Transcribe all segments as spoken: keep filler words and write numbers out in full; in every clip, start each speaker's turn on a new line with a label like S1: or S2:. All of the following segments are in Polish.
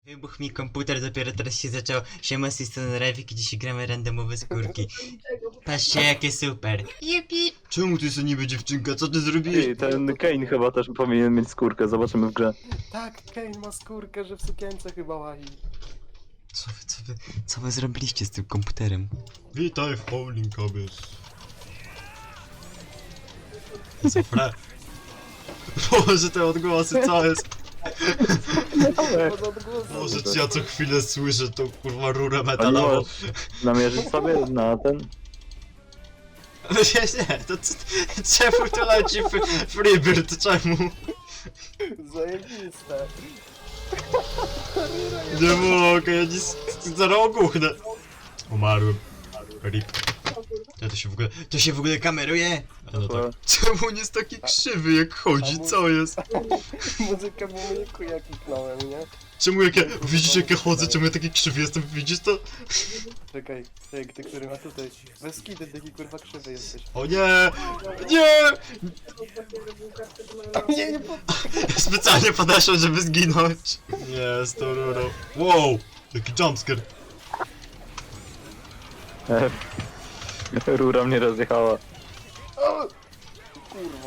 S1: Wybuchł mi komputer, dopiero teraz się zaczął. Siema, z tej strony Rewik i dzisiaj gramy randomowe skórki. Patrzcie, jakie super. Jupi! Czemu ty jest niby dziewczynka? Co ty zrobiłeś?
S2: Ej, ten Kane chyba też powinien mieć skórkę, zobaczymy w grze.
S3: Tak, Kane ma skórkę, że w sukience chyba łazi.
S1: Co wy, co wy, co wy zrobiliście z tym komputerem?
S4: Witaj w Howling Abyss. Zofre. Boże, te odgłosy, co jest?
S3: Pod odgłosem.
S4: Boże, czy ja co chwilę słyszę tą kurwa rurę
S2: A nie
S4: metalową.
S2: możesz namierzyć sobie na ten?
S4: Nie, nie, to c- czemu to leci f- Freebird, czemu?
S3: Zajebiste.
S4: Nie mogę, ja nic, zaraz ogłuchnę. Umarłem. Rip. Ja to się w ogóle, to się w ogóle kameruje? A no tak. Czemu on jest taki krzywy jak chodzi, co jest?
S3: Muzykę w muzyku jak kliknąłem, nie?
S4: Czemu jak ja, widzisz jak ja chodzę, czemu ja taki krzywy jestem, widzisz to?
S3: Czekaj, czekaj, ty który ma tutaj. Bez kiedy taki kurwa krzywy jesteś.
S4: O nie! Nie!
S3: Nie, nie pod...
S4: Specjalnie podeszłem, żeby zginąć. Nie, z tą rurą. Wow! Jaki jumpscare.
S2: E, Rura mnie rozjechała.
S3: O! Kurwa.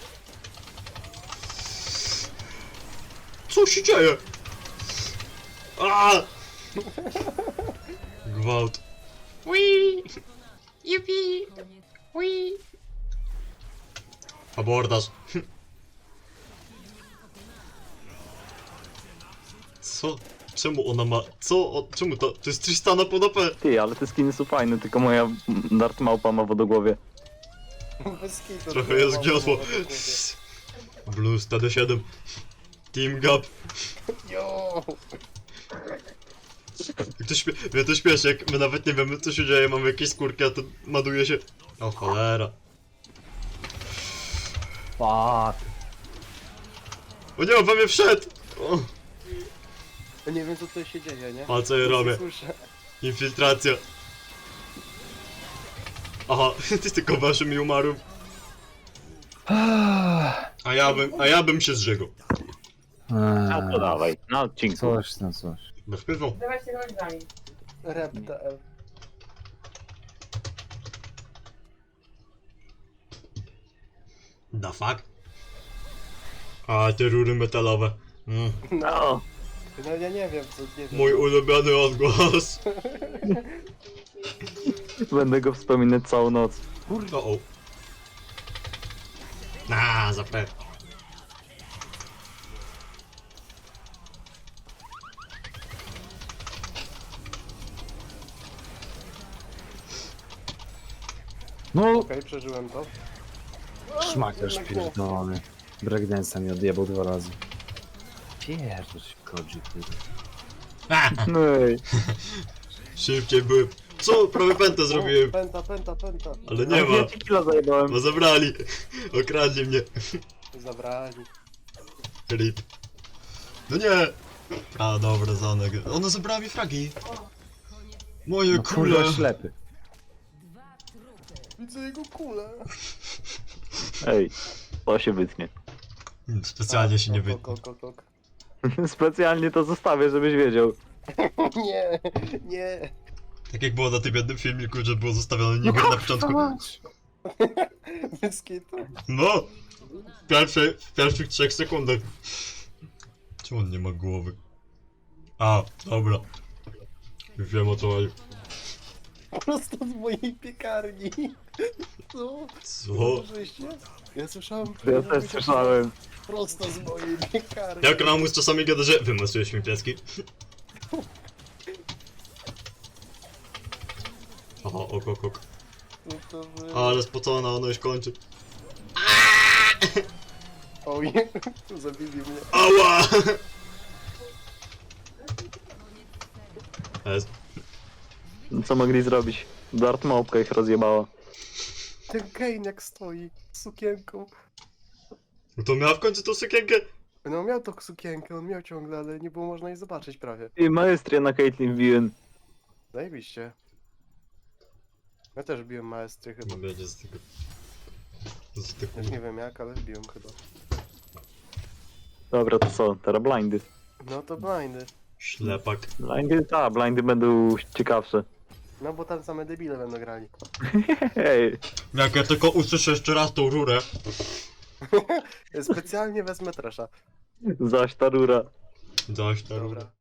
S4: Co się dzieje? A! Gwałt. Wii! Jupi! Wii! Abordaż. Co? Czemu ona ma... Co? O, czemu to? To jest Tristana pod A P.
S2: Ty, ale te skiny są fajne, tylko moja Dart Małpa ma wodogłowie.
S3: Bez kitu.
S4: Trochę jest giosło. Blues T D siedem. Team Gap.
S3: Jo!
S4: Jak to śpie... Mnie to śpieszy, jak my nawet nie wiemy co się dzieje, mamy jakieś skórki, a to maduje się... O cholera.
S2: Fuck.
S4: O nie, on we mnie wszedł! O,
S3: Ja nie wiem co tutaj się dzieje, nie?
S4: a co ja robię?
S3: Słyszę.
S4: Infiltracja. Aha, ty tylko waszym i umarł. A ja bym, a ja bym się zżegł.
S2: No to dawaj, na odcinku.
S5: Coś tam, coś.
S4: Bez pytą.
S6: Dawajcie nożami.
S3: Rep T L.
S4: The fuck? A, te rury metalowe. Mm.
S2: No.
S3: No ja nie wiem co, nie wiem.
S4: Mój ulubiony odgłos.
S2: Będę go wspominać całą noc.
S4: Kurwa, o. Na, zapewne.
S5: No,
S3: Okej, przeżyłem to.
S5: szmaciarz pierdolony. Breakdance'a mi odjebał dwa razy. Pierdol się kodzi, kurde.
S2: No ej.
S4: Szybciej byłem. Co? Prawie pętę zrobiłem.
S3: Penta, penta, penta.
S4: Ale nie ma.
S2: Ja ci killa zajebałem.
S4: Bo zabrali. Okradli mnie.
S3: Zabrali.
S4: Rip. No nie! A dobra, Zanek. Ona zabrała mi fragi. Moje
S5: No
S4: kule.
S5: kurwa ślepy.
S3: Widzę jego kulę.
S2: Ej, to się wytnie.
S4: Hmm, Specjalnie się nie
S3: Kok,
S4: wytnie.
S3: kok, kok, kok.
S2: Specjalnie to zostawię, żebyś wiedział.
S3: Nie, nie.
S4: Tak jak było na tym jednym filmiku, że było zostawione Niger na początku.
S3: Bez kitu.
S4: No! W, pierwszej, w pierwszych trzech sekundach. Czemu on nie ma głowy? A, dobra. Już wiem o co chodzi.
S3: Prosto z mojej piekarni. Co?
S4: Co?
S3: Słyszeliście? Ja słyszałem.
S2: Ja też słyszałem.
S3: Prosto z mojej piekarni.
S4: Jak Ramus czasami gada, że wymasujesz mi pieski. Aha, ok, ok, ok.
S3: No to wy...
S4: Ale spocona, ona już kończy.
S3: Oj, zabili mnie.
S4: Ała! Es.
S2: Co mogli zrobić? Dart Małpka ich rozjebała.
S3: Ten Kane jak stoi z sukienką.
S4: No to miała w końcu tą sukienkę?
S3: No miał tą sukienkę, on miał ciągle, ale nie było można jej zobaczyć prawie.
S2: I maestria na Caitlyn wbiłem.
S3: Zajebiście. Ja też biłem maestry chyba.
S4: Nie będzie z tego. Z tego.
S3: Już nie wiem jak, ale biłem chyba.
S2: Dobra, to co? Teraz blindy.
S3: No to blindy.
S4: Ślepak.
S2: Blindy, ta, blindy będą ciekawsze.
S3: No bo tam same debile będą grali.
S2: Hej,
S4: Jak ja tylko usłyszę jeszcze raz tą rurę.
S3: Specjalnie wezmę trasza.
S2: zaś ta rura.
S4: Zaś ta rura.
S3: Dobra.